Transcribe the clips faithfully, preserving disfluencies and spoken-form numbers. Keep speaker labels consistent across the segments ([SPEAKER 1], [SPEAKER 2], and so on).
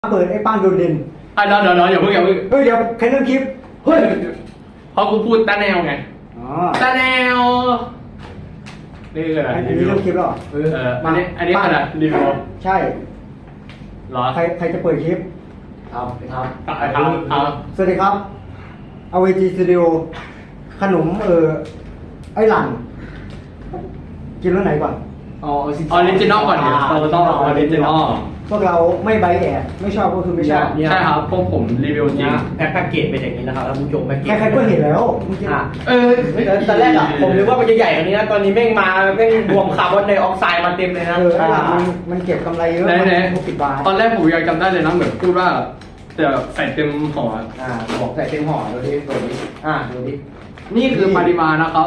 [SPEAKER 1] เปิดไอ้ป้านโดดเด่น
[SPEAKER 2] อ่ะเดี๋ยวเดี๋ยวอย่าเพิ่งอย่าเพิ่ง
[SPEAKER 1] เฮ้ยเดี๋ยวใครเริ่มคลิป
[SPEAKER 2] เฮ้ยเพราะกูพูดตาแนวไง
[SPEAKER 1] อ๋อ
[SPEAKER 2] ตาแนวนี่คืออะไร
[SPEAKER 1] อันนี้เริ่มคลิปแล้ว
[SPEAKER 2] เอออันนี้อันนี้ขนาดรีวิว
[SPEAKER 1] ใช่
[SPEAKER 2] หรอ
[SPEAKER 1] ใครใครจะเปิดคลิป
[SPEAKER 2] ครับครับครับครับ
[SPEAKER 1] สวัสดีครับเอาเวจีสตูดิโอขนมเออไอ้หลังกินรสไหนก่อน
[SPEAKER 2] อออริจินอลก่อนเนี่ยเราต้องออริจินอล
[SPEAKER 1] พวกเราไม่ใบแอบไม่ชอบก็คือไม่ชอบ
[SPEAKER 2] ใช่ครับพวกผมรีวิวจริง
[SPEAKER 3] แพ็กเกจเป็นอย่างนี้นะครับแล้วผู้ชมแพ็กเกจ
[SPEAKER 1] ใครๆก็เห็นแล้ว
[SPEAKER 3] เออตอนแรกอะผมนึกว่ามันจะใหญ่กว่านี้นะตอนนี้แม่งมาแม่งรวมคาร์บอนไดออกไซด์มาเต็มเลยนะ
[SPEAKER 1] เออไอ้หลังมันมันเก็บกำไรเยอะ
[SPEAKER 2] หกสิบบาทตอนแรกผมยังจำได้เลยนะเหมือนพูดว่าจะใส่เต็มห่อ
[SPEAKER 3] อ่าบอกใส่เต็มห่อดูดิตัวนี้อ่าดูดิ
[SPEAKER 2] นี่คือปริมาณนะครับ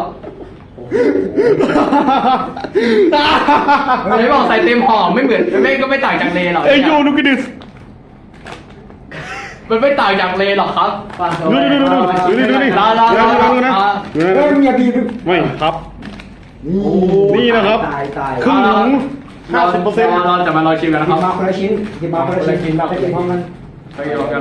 [SPEAKER 2] ไม่บอกใส่เต็มห่อไม่เหมือนไม่ก็ไม่ต่างจากเลหรอก
[SPEAKER 4] เอ้ยโยนุกิดิส
[SPEAKER 2] มันไม่ต่างจากเลหรอกครับ
[SPEAKER 4] ดูดูดูดูดูดูดู
[SPEAKER 2] ลาลาลาลา
[SPEAKER 4] นะ
[SPEAKER 1] เฮ้ยอย่าบีบ
[SPEAKER 4] ไม่ครับนี่นะครับ
[SPEAKER 1] ตายตาย
[SPEAKER 4] ครึ่งถุงห้าสิบเปอร์เซ็นต์
[SPEAKER 2] เราจะมาลองชิมกันนะครับ
[SPEAKER 1] มาคนละชิ้นหยิบมาคนละชิ้นไปกินพร้อมกัน
[SPEAKER 2] ไปกินพร้อมกัน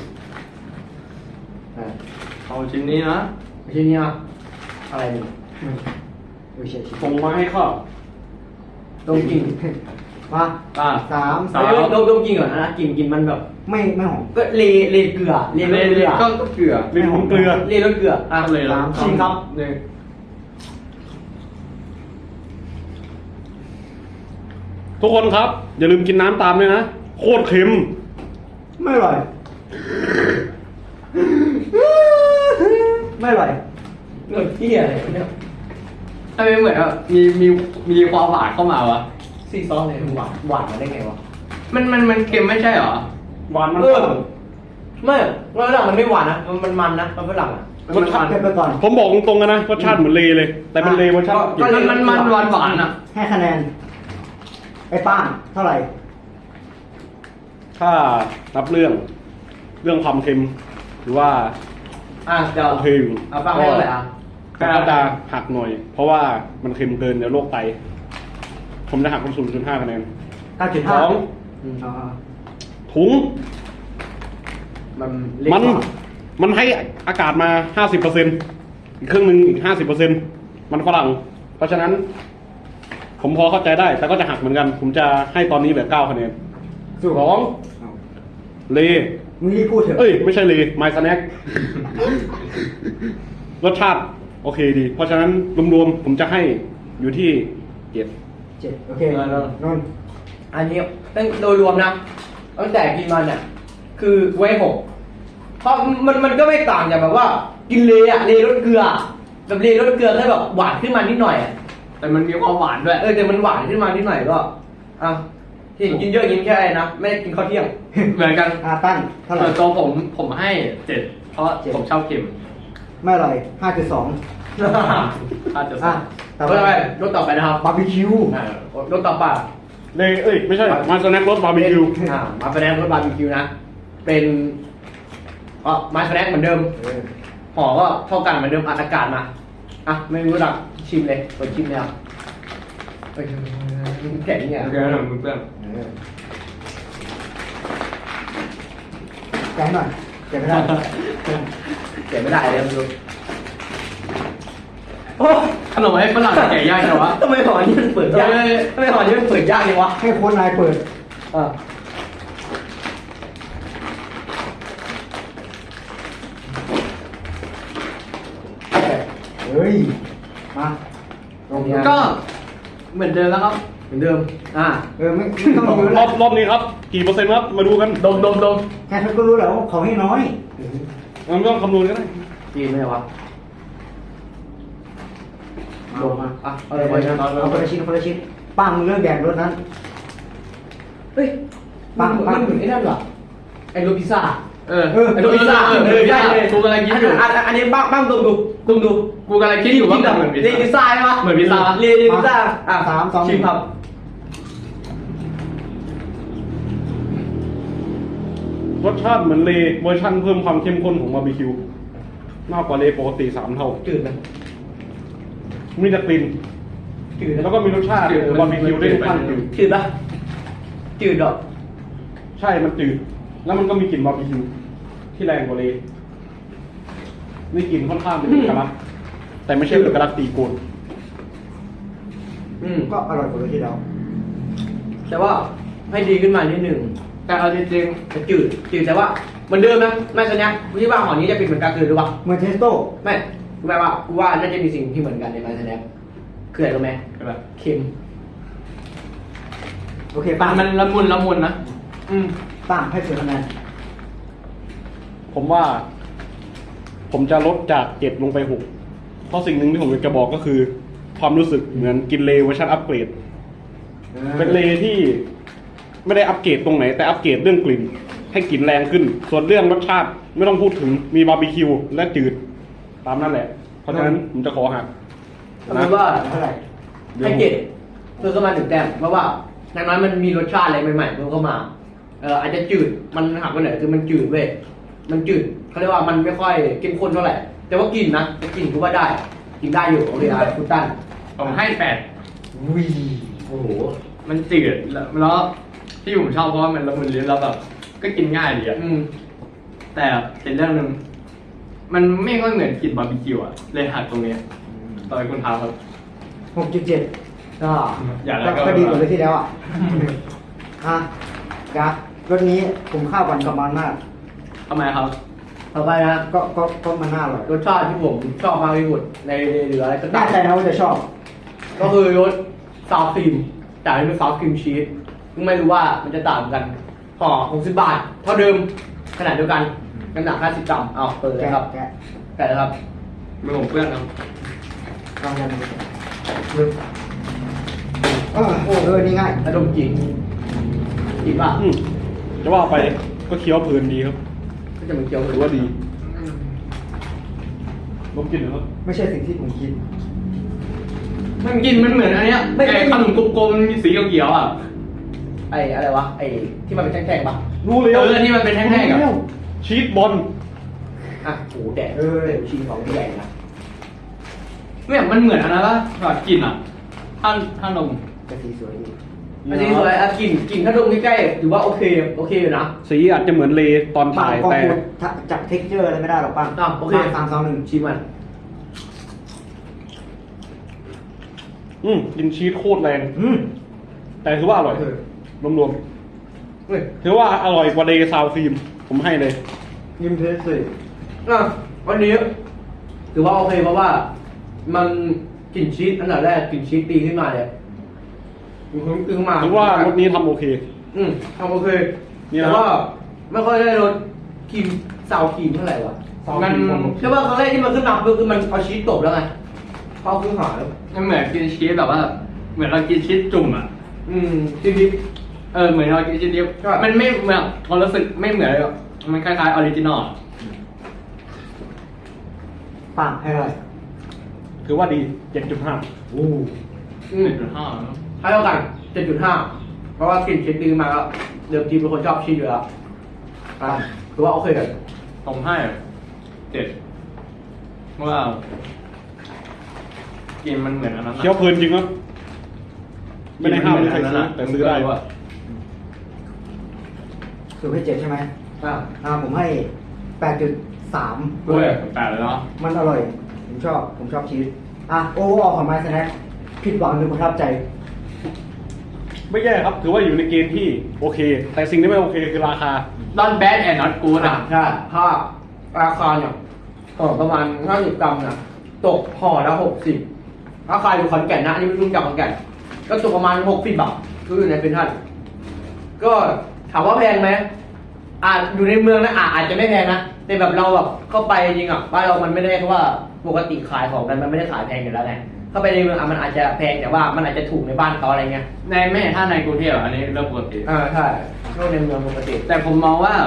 [SPEAKER 2] เอาชิ้นนี้นะ
[SPEAKER 3] ชิ้นนี้อะไรนี่
[SPEAKER 4] ส่งมาให้ข้า
[SPEAKER 3] ดมกลิ่น
[SPEAKER 1] มา
[SPEAKER 2] อ่า
[SPEAKER 1] สาม
[SPEAKER 3] สามดมดมกลิ่นก่อนนะกลิ่นกลิ่นมันแบบ
[SPEAKER 1] ไม่ไม่หอม
[SPEAKER 3] ก็เลเลเกลือเลรสเกลือ
[SPEAKER 2] ก็เกลือ
[SPEAKER 4] เป็นของเกลือ
[SPEAKER 3] เลรสเกลืออ่ะ
[SPEAKER 2] เลย
[SPEAKER 1] สาม
[SPEAKER 3] ชิมครับ
[SPEAKER 2] หนึ่ง
[SPEAKER 4] ทุกคนครับอย่าลืมกินน้ำตามด้วยนะโคตรเค็ม
[SPEAKER 1] ไม่อร่อยไม่อร่อย
[SPEAKER 3] เหมือนเที่ยอะไรเนี่ย
[SPEAKER 2] ทำไมเหมือนอ่ะมีมีมีความหวานเข้ามาวะ
[SPEAKER 3] ซีซอสเลยหวานหวานมาได้ไงวะ
[SPEAKER 2] มันมันมันเค็มไม่ใช่หรอ
[SPEAKER 4] หวานมัน
[SPEAKER 3] เออไม่ฝรั่งมันไม่หวานนะมันมันมันนะมันฝรั่งอ่ะ
[SPEAKER 1] รสชาติไปก่อน
[SPEAKER 4] ผมบอกตรงๆนะรสชาติเหมือนเลเลยแต่เป็นเลรสชาติ
[SPEAKER 2] มันมันมันหวานหวานอ่ะ
[SPEAKER 1] ให้คะแนนไอ้ป้านเท่าไหร่
[SPEAKER 4] ถ้านับเรื่องเรื่องความเค็มหรือว่า
[SPEAKER 3] อ่ะเดี๋ยว
[SPEAKER 4] โอเคอยู่
[SPEAKER 3] เอาป้าให้เท่าไหร่อ่ะ
[SPEAKER 4] กระดาหักหน่อยเพราะว่ามันเค็มเกินเดี๋ยวโรคไตผมจะหักเป็นศูนย์จุดห้าคะแนน
[SPEAKER 1] เก้าจุดห้า
[SPEAKER 4] สองถุง
[SPEAKER 3] มัน
[SPEAKER 4] มันมันให้อากาศมาห้าสิบเปอร์เซ็นต์อีกครึ่งหนึ่งอีกห้าสิบเปอร์เซ็นต์มันฝรั่งเพราะฉะนั้นผมพอเข้าใจได้แต่ก็จะหักเหมือนกันผมจะให้ตอนนี้แบบเก้าคะแนนสองเล
[SPEAKER 1] มึงรีบพูดเถอะ
[SPEAKER 4] เอ้ยไม่ใช่เลไมซ์สแน็ครสชาติโอเคดีเพราะฉะนั้นรวมๆผมจะให้อยู่ที่เจ็ด
[SPEAKER 1] เจ็ดโอเคนน
[SPEAKER 3] อันนี้ตั้งโดยรวมนะตั้งแต่กินมาเนี่ยคือไว้หกเพราะมันมันก็ไม่ต่างจากแบบว่ากินเลอะเลรสเกลือแบบเลรสเกลือแค่แบบหวานขึ้นมานิดหน่อย
[SPEAKER 2] แต่มันมีความหวานด้วย
[SPEAKER 3] เออแต่มันหวานขึ้นมานิดหน่อยก็อ่ะที่กินเยอะกินแค่ไอ้นะไม่ได้กินข้าวเที่ยง
[SPEAKER 2] เหมือนกัน
[SPEAKER 1] อาตั้นเท่าไหร่
[SPEAKER 2] ตัวผมผมให้เจ็ดเพราะผมชอบเค็ม
[SPEAKER 1] ไม่อร่อยห้าจุดสอง
[SPEAKER 2] ห้าจุดสอง
[SPEAKER 3] ต่อไปรสต่อไปนะครับ
[SPEAKER 1] บาร์บีคิว
[SPEAKER 3] รสต่อไป
[SPEAKER 4] เลเอ้ยไม่ใช่มาสแน็ครสบาร์บีคิว
[SPEAKER 3] อ่ามาสแน็ครสบาร์บีคิวนะเป็นอ๋อมาสแน็คเหมือนเดิมห่อก็เท่ากันเหมือนเดิมอัดอากาศมาอ่ะไม่รู้จักชิมเลยเปิดชิมเลยอ่ะแข็งเนี่ย
[SPEAKER 2] โอเคหน่อยมือเปื้อน
[SPEAKER 1] แกะหน่อยแกะไม่ได้
[SPEAKER 3] แกะไม่ได้เลยดู
[SPEAKER 2] โอ้ขนมไอ้ฝรั่งแกะยากจังวะ
[SPEAKER 3] ทำไมห่อนี้มันเปิดยากทำไมห่อนี้มันเปิดยากจังวะ
[SPEAKER 1] ให้คนนายเปิด
[SPEAKER 3] อ่า
[SPEAKER 1] เฮ้ยมา
[SPEAKER 2] ก็เหมือนเดิมแล้วครับ
[SPEAKER 3] เหมือนเดิมอ่า
[SPEAKER 1] เออไม่ต้อง
[SPEAKER 4] รอบรอบนี้ครับกี่เปอร์เซ็นต์ครับมาดูกัน
[SPEAKER 2] ดมดมดม
[SPEAKER 1] แค่เขาก็รู้แล้วเขาให้น้อย
[SPEAKER 4] มันต้องคำนวณกันได้
[SPEAKER 3] จีนไหมวะ
[SPEAKER 1] ลงมา
[SPEAKER 3] อ่ะเอา
[SPEAKER 1] เอา
[SPEAKER 3] ไปนะ
[SPEAKER 1] เอาคนละชิ้นคนละชิ้นป้ามึงเลือกแบ่งรถนั้น
[SPEAKER 3] เฮ้ยปังปังเหมือนไอ้นั่นเหรอไอ้โรพิซซ่า
[SPEAKER 2] เออ
[SPEAKER 3] เออไอ้โรพิซซ่าเออใช่เลย
[SPEAKER 2] กูกำลังคิดอยู่
[SPEAKER 3] อันนี้บ้างบ้างดูดูดูดู
[SPEAKER 2] กูกำลังคิดอยู่ว่าเหมือน
[SPEAKER 3] พิซซ่าใช่ไหม
[SPEAKER 2] เหมือนพิซซ่า
[SPEAKER 3] เรียนพิซซ่าอ่ะ
[SPEAKER 1] สามสอง
[SPEAKER 3] ชิมครับ
[SPEAKER 4] รสชาติเหมือนเลเวอร์ชันเพิ่มความเข้มข้นของบาร์บีคิวมากกว่าเลปกติสามเท่า
[SPEAKER 3] จืดไหม
[SPEAKER 4] มีแต่กลิ่นจืดแล้วก็มีรสชาติบาร์บีคิวได้ทุกขั้นจืด
[SPEAKER 3] จืดปะจืดหรอ
[SPEAKER 4] ใช่มันจืดแล้วมันก็มีกลิ่นบาร์บีคิวที่แรงกว่าเลยนี่กลิ่นค่อนข้างเป็นเอกลักษณ์แต่ไม่ใช่เอกลักษณ์ตีโกน
[SPEAKER 3] อืม
[SPEAKER 1] ก็อร่อยกว่าที่เรา
[SPEAKER 3] แต่ว่าให้ดีขึ้นมานิดหนึ่ง
[SPEAKER 2] แต่เอาจริง
[SPEAKER 3] จะจืดจืดแต่ว่าเหมือนเดิมนะไม่สัญญากูคิดว่าหอนี้จะเป็นเหมือนกันคือหรือเปล่า
[SPEAKER 1] เหมือนเทสโต้
[SPEAKER 3] ไม่กูแปลว่ากูว่าน่าจะมีสิ่งที่เหมือนกันในมาสแนปคืออะไรรู้ไหม
[SPEAKER 2] ๆก็แบบ
[SPEAKER 3] เค็ม
[SPEAKER 1] โอเค
[SPEAKER 2] มั
[SPEAKER 1] ป้าน
[SPEAKER 2] มันละมุนละมุนนะ
[SPEAKER 3] อืม
[SPEAKER 1] ป้าให้เสียคะแนน
[SPEAKER 4] ผมว่า ผมจะลดจากเจ็ดลงไปหกเพราะสิ่งหนึ่งที่ผมอยากจะบอกก็คือ ความรู้สึกเหมือนกินเลเวอร์ชันอัปเกรด เป็นเลที่ไม่ได้อัปเกรดตรงไหน แต่อัปเกรดเรื่องกลิ่น ให้กลิ่นแรงขึ้น ส่วนเรื่องรสชาติไม่ต้องพูดถึงมีบาร์บีคิวและจืด ตามนั่นแหละ เพราะฉะนั้นผมจะขอหัก
[SPEAKER 3] เอาเป็นว่า
[SPEAKER 1] เท่าไหร่
[SPEAKER 3] ให้เจ็ดเพิ่มเข้ามาหนึ่งแต้มเพราะว่าอย่างน้อยมันมีรสชาติอะไรใหม่ๆเพิ่มเข้ามาเอออาจจะจืดมันหักไปหน่อยคือมันจืดเว้ยมันจืดเขาเรียกว่ามันไม่ค่อยเข้มข้นเท่าไหร่แต่ว่ากลิ่นนะแต่กลิ่นกูว่าได้กินได้อยู่โอเคอ่ะคุณตั้น
[SPEAKER 2] ผมให้แปด
[SPEAKER 1] วี
[SPEAKER 3] โอ้โห
[SPEAKER 2] มันจืดแล้วแล้วที่ผมชอบเพราะว่ามันละมุนลิ้นแล้วแบบก็กินง่ายดีอะ
[SPEAKER 3] อืม
[SPEAKER 2] แต่เป็นเรื่องหนึ่งมันไม่ค่อยเหมือนกลิ่นบาร์บีคิวอะเลยหักตรงเนี้ยตอนคุณท้าครับ
[SPEAKER 1] หกจุดเจ็ดก็
[SPEAKER 2] อย่าอะไร
[SPEAKER 1] ก็
[SPEAKER 2] ก็
[SPEAKER 1] ก็ดีกว่าเลยที่แล้วอ่ะ อ่ะกะรสนี้ผมข้าวกันกับมันมาก
[SPEAKER 2] ทำไมครับ
[SPEAKER 3] ต่อไปนะ
[SPEAKER 1] ก็ก็ก็มันน่าอร่อย
[SPEAKER 3] รสชาติที่ผมชอบมากที่สุดในเหลืออะไรก็
[SPEAKER 1] แน่
[SPEAKER 3] ตาม
[SPEAKER 1] ใจนะว่าจะชอบ
[SPEAKER 3] ก็คือรสซาวครีมแต่อันนี้เป็นซาวครีมชีสซึ่งไม่รู้ว่ามันจะต่างกันห่อหกสิบบาท เท่าเดิมขนาดเดียวกันน้ำหนักห้าสิบกรัมเอาเปิดเลย
[SPEAKER 1] แกะ
[SPEAKER 3] ครับ
[SPEAKER 1] แกะ
[SPEAKER 3] แกะเลยครับ
[SPEAKER 2] มือผมเปื้อนครับ
[SPEAKER 1] ลองกันดูเออเออนี่ง่าย
[SPEAKER 3] ระดมกลิ่นกลิ่นว่า
[SPEAKER 4] อืมจะว่าไปก็เคี้ยวเพลินดีครับ
[SPEAKER 3] ก็จะเหมือนเกี๊ยว
[SPEAKER 4] ถือว่าดีลองกินหน่อยครับ
[SPEAKER 1] ไม่ใช่สิ่งที่ผมคิด
[SPEAKER 2] มันกินมันเหมือนอันเนี้ย
[SPEAKER 3] ไม่
[SPEAKER 2] ไอ้ขนมกลมๆสีเขียวๆอ่ะ
[SPEAKER 3] ไอ้อะไรวะไอ้ที่มันเป็นแท่งๆปะ
[SPEAKER 4] รู้เลย
[SPEAKER 2] เออที่มันเป็นแท่งๆอะ
[SPEAKER 4] ชีสบอล
[SPEAKER 3] อ่ะโหแดด
[SPEAKER 1] เออ
[SPEAKER 3] เดี๋ยวชีสของใหญ่นะ
[SPEAKER 2] เนี่ยมันเหมือนอันนั้นปะแบบกลิ่นอ่ะท่านท่านนม
[SPEAKER 1] กระสีสวยดี
[SPEAKER 3] อันนี้สวยอ่ะกลิ่นกลิ่นถ้าดมใกล้ๆถือว่าโอเคโอเคอยู่นะ
[SPEAKER 4] สีอาจจะเหมือนเลตอน
[SPEAKER 1] บา
[SPEAKER 4] ถ่าง ย
[SPEAKER 1] กอง
[SPEAKER 4] แต่
[SPEAKER 1] พูดจับเท็กเจอร์อะไรไม่ได้หรอกป้า
[SPEAKER 3] อ่ะโอเค
[SPEAKER 1] สามสองหนึ่ง
[SPEAKER 3] ชิมมัน
[SPEAKER 4] อืมกินชีสโคตรแรง
[SPEAKER 1] อืม
[SPEAKER 4] แต่ถือว่าอร่อย
[SPEAKER 1] เออ
[SPEAKER 4] รวม
[SPEAKER 3] เฮ้ย
[SPEAKER 4] ๆถือว่าอร่อยกว่าเลซาวครีม ผมให้เลย
[SPEAKER 1] ยิ้มเทสเลย
[SPEAKER 3] อ่ะวันนี้ถือว่าโอเคเพราะว่ามันกลิ่นชีสอันดับแรกกลิ่นชีสตีขึ้นมาเลยมันขึ้นมา
[SPEAKER 4] ถือว่ารสนี้ทำโอเค
[SPEAKER 3] อืมทำโอเค
[SPEAKER 4] นี่นะ
[SPEAKER 3] แต่ว่าไม่ค่อยได้รสครีมซาวครีมเท่าไหร่วะ
[SPEAKER 2] มัน
[SPEAKER 3] ใช่ป่ะครั้งแรกที่มันขึ้นมาคือคือมันเอาชีสตบแล้วไงพอขึ้นหาแล้ว
[SPEAKER 2] มันเหมือนกินชีสแบบว่า เหมือนเรากินชีสจุ่มอ่ะ
[SPEAKER 3] อืมชีสดิบ
[SPEAKER 2] เออเหมือนเรากินชีสดิบ
[SPEAKER 3] ใช่
[SPEAKER 2] มันไม่เหมือนความรู้สึกไม่เหมือนเลยหรอกมันคล้ายๆออริจินอล
[SPEAKER 1] ป้าให้อะไร
[SPEAKER 4] ถือว่าดี เจ็ดจุดห้า
[SPEAKER 1] โอ้
[SPEAKER 3] อืม
[SPEAKER 2] จุดห้า
[SPEAKER 3] ให้เท่ากันเจ็ดจุดห้าเพราะว่ากลิ่นชีสตีมาแล้วเดิมทีเป็นคนชอบชีสอยู่แล้วอ่ะถือว่าโอเคเลย
[SPEAKER 2] ผมให้เจ็ดเพราะว่ากินมันเหมือนอันนั้นอะ
[SPEAKER 4] เคี้ยวเพลินจริงครับไม่ได้ห้ามไม่ใครซื้อแต่ซื้อได้
[SPEAKER 2] ว่า
[SPEAKER 1] สูตรให้เจ็ดใช่ไหม
[SPEAKER 3] อ่ะ
[SPEAKER 1] อ่าผมให้แปดจุดสาม
[SPEAKER 2] โอ้ยแปดเลยเนาะ
[SPEAKER 1] มันอร่อย ผมชอบ ผมชอบชีสอ่ะโอ้ออกของไมซ์แน็คผิดหวังหรือประทับใจ
[SPEAKER 4] ไม่แย่ครับ ถือว่าอยู่ในเกณฑ์ที่โอเค แต่สิ่งที่ไม่โอเคคือราคา
[SPEAKER 2] ดอนแบดแอนด์นอตกูด
[SPEAKER 3] อ่ะ
[SPEAKER 2] อ่ะ
[SPEAKER 3] ใช่ถ้าราคาเนี่ยต่อประมาณห้าสิบกรัมนะตกห่อละหกสิบถ้าใครอยู่ขอนแก่นนะอันนี้ไม่รู้จักขอนแก่นก็ตกประมาณหกสิบบาทก็อยู่ในเป็นท่านก็ถามว่าแพงไหมอ่าอยู่ในเมืองนะอ่าอาจจะไม่แพงนะแต่แบบเราแบบเข้าไปจริงอ่ะบ้านเรามันไม่ได้เพราะว่าปกติขายของกันมันไม่ได้ขายแพงอยู่แล้วไงเข้าไปในเมืองอ่ะมันอาจจะแพงแต่ว่ามันอาจจะถูกในบ้านเขาอะไรเงี้ย
[SPEAKER 2] ในไม่ถ้าในกรุงเทพอะอันนี้เรื่องปกติ
[SPEAKER 3] อ่าใช่ช่วงในเมืองปกติ
[SPEAKER 2] แต่ผมมองว่า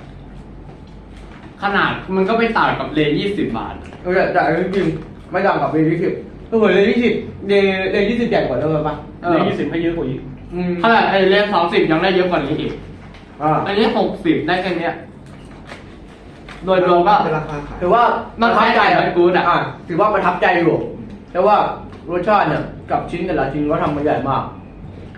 [SPEAKER 2] ขนาดมันก็ไม่ต่างกับเลยี่สิบบาท
[SPEAKER 3] เออแต่จริงๆไม่ต่างกับเรนยี่สิบก็เหมือนเรนยี่สิบเรนเรนยี่สิบใหญ่กว่าเดิมปะ
[SPEAKER 2] เออ
[SPEAKER 4] ในยี่สิบให้เยอะกว่าอีก
[SPEAKER 3] อืม
[SPEAKER 2] ขนาดไอเลสองสิบยังได้เยอะกว่านี้อีก
[SPEAKER 3] อ่า
[SPEAKER 2] อันนี้หกสิบได้แค่เนี้ย โดยรวมก็
[SPEAKER 1] เป็นราคาขาย
[SPEAKER 3] ถือว่า
[SPEAKER 2] มั
[SPEAKER 3] มัน
[SPEAKER 2] คล้ายๆกับกู๊ดอะ
[SPEAKER 3] ถือว่าประทับใจอยู่แต่ว่ารสชาติเนี่ยกับชิ้นแต่ละชิ้นก็ทำมาใหญ่มาก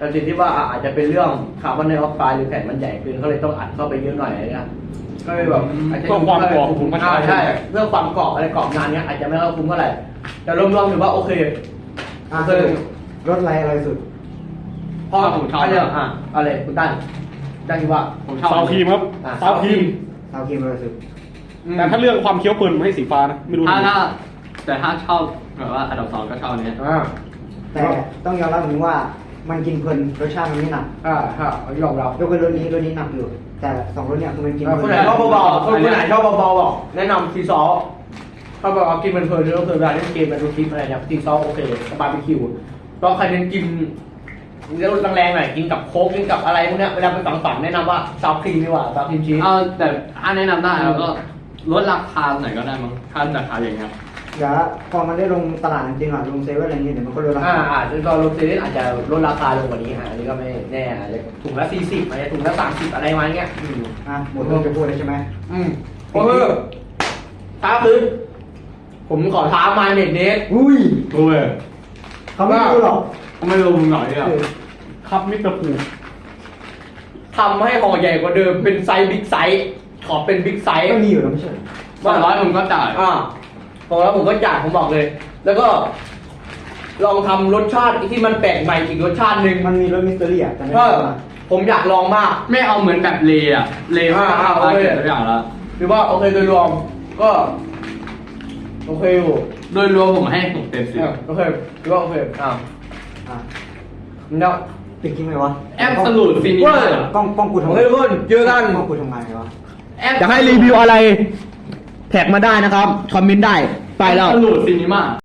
[SPEAKER 3] แต่ติดที่ว่าอาจจะเป็นเรื่องคาร์บอนไดออกไซด์หรือแผ่นมันใหญ่เกินเขาเลยต้องอัดเข้าไปเยอะหน่อยอะไรเงี้ยก็เลยแบบอาจจะ
[SPEAKER 4] เพื่อความกรอบผมก็ใช้
[SPEAKER 3] อ่าใช่เรื่องความกรอบอะไรกรอบงานเนี้ยอาจจะไม่ค่อยคุ้มเท่าไหร่แต่รวมๆถือว่าโอเค
[SPEAKER 1] อ่ะ
[SPEAKER 3] คือ
[SPEAKER 1] รถอะไรอะไรสุด
[SPEAKER 3] พ่อผมชอบเรื่องอ่ะอะไรคุณตั้นตั้นคิดว่า
[SPEAKER 2] ผมชอบ
[SPEAKER 4] ซาวครีมครับ
[SPEAKER 3] อ่ะ
[SPEAKER 4] ซาวครีม
[SPEAKER 1] ซาวครีมอะไรสุด
[SPEAKER 4] แต่ถ้าเรื่องความเคี้ยวเพลินผมให้สีฟ้านะไม่รู้
[SPEAKER 2] ถ้า
[SPEAKER 4] ทำไม
[SPEAKER 2] ถ้าแต่ถ้าชอบแบบว่าอันดับสองก็ชอบอันเนี้ย
[SPEAKER 3] อ่า
[SPEAKER 1] แต่ต้องยอมรับอย่างนี้ว่ามันกินเพลินรสชาติมันไม่หนัก
[SPEAKER 3] อ่าฮะยอมรับ
[SPEAKER 1] ยกเว้นรสนี้รสนี้หนักอยู่ แต่สองรสเนี่ยคือมันกิน
[SPEAKER 3] อ่า
[SPEAKER 1] เพ
[SPEAKER 3] คน
[SPEAKER 1] ลิ
[SPEAKER 3] ไหน
[SPEAKER 1] น
[SPEAKER 3] ชอบเบาๆคนไหนชอบเบาๆบอกแนะนำทีซอลถ้าแบบว่ากินมันเพลินๆก็คือเวลาเล่นเกมมาดูคลิปอะไรเนี่ยทีซอลโอเคสบาร์บีคิวก็ใครเน้นกินเนื้อแรงๆหน่อยกินกับโค้กกินกับอะไรพวกเนี้ยเวลาไปฝังๆแนะนำว่าซาวครีมดีกว่าซาวครีมชีส
[SPEAKER 2] เอาแต่ถ้าแนะนำได้แล้วก็ลดราคาหน่อยก็ได้มั้งถ้าราคาอย่างเงี้ย
[SPEAKER 1] เดี๋ยวพอมันได้ลงตลาดจริงๆอ่ะลงเซเว่นอะไรเงี้ยเดี๋ยวมันก็ลดราคา
[SPEAKER 3] อ่าอ่าซึ่งตอนลงเซเว่นอาจจะลดราคาลงกว่านี้ฮะอันนี้ก็ไม่แน่อาจจะถุงละสี่สิบอาจจะถุงละสามสิบอะไรมาเงี้ยอืม
[SPEAKER 1] อ่ะหมดเรื่องจะพูดแล้วใช่ไหม
[SPEAKER 3] อืมโอเคท้าคืนผมขอท้ามาเน็ตเน็ต
[SPEAKER 1] อุ้ย
[SPEAKER 2] โอ้ย
[SPEAKER 1] เขาไม่รู้หรอก
[SPEAKER 2] เขาไม่ลงหน่อยเนี่ย
[SPEAKER 1] เออ
[SPEAKER 4] ครับมิสเตอร์พู
[SPEAKER 3] ทำให้ห่อใหญ่กว่าเดิมเป็นไซส์บิ๊กไซส์ขอเป็นบิ๊กไซส์
[SPEAKER 1] ก็มีอยู่แล้วไม่ใช่เหรอ
[SPEAKER 2] สองร้อยผมก็จ่าย
[SPEAKER 3] อ่าพอแล้วผมก็จ่ายผมบอกเลย แล้วก็ ลองทำรสชาติที่มันแปลกใหม่อีกรสชาติหนึ่ง
[SPEAKER 1] มันมีรสมิสเตอรี่อ่ะแต่ไม่
[SPEAKER 3] เอ
[SPEAKER 1] รู้
[SPEAKER 3] อ
[SPEAKER 1] ว่า
[SPEAKER 3] ผมอยากลองมาก
[SPEAKER 2] ไม่เอาเหมือนแบบเลอะเลก็
[SPEAKER 3] อ่า
[SPEAKER 2] เอา
[SPEAKER 3] โอ
[SPEAKER 2] มา
[SPEAKER 3] เค
[SPEAKER 2] เก็บตัวอย่างแล้ว
[SPEAKER 3] หรือว่าโอเคโดยรวมก็ โอเคอยู่
[SPEAKER 2] โดยรวมผมให้หกเต็มสิบ
[SPEAKER 3] เออโอเคหรือว่าโอเคอ่า
[SPEAKER 1] อ่ะ
[SPEAKER 3] เนาะ
[SPEAKER 1] ปิดคลิปไหมวะ
[SPEAKER 2] แอปสลูดฟินิ
[SPEAKER 3] เว้
[SPEAKER 2] เมอย ร์
[SPEAKER 1] กล้องกล้องกู
[SPEAKER 3] โอ
[SPEAKER 1] ทำ
[SPEAKER 3] เคทุกคนเจอกัน
[SPEAKER 1] กล้องกูทำงานไงวะ
[SPEAKER 2] แอป
[SPEAKER 3] จะให้รีวิวอะไร แท็กมาได้นะครับ คอมเมนต์ได้ ไปแล้ว
[SPEAKER 2] สลูดฟินิมา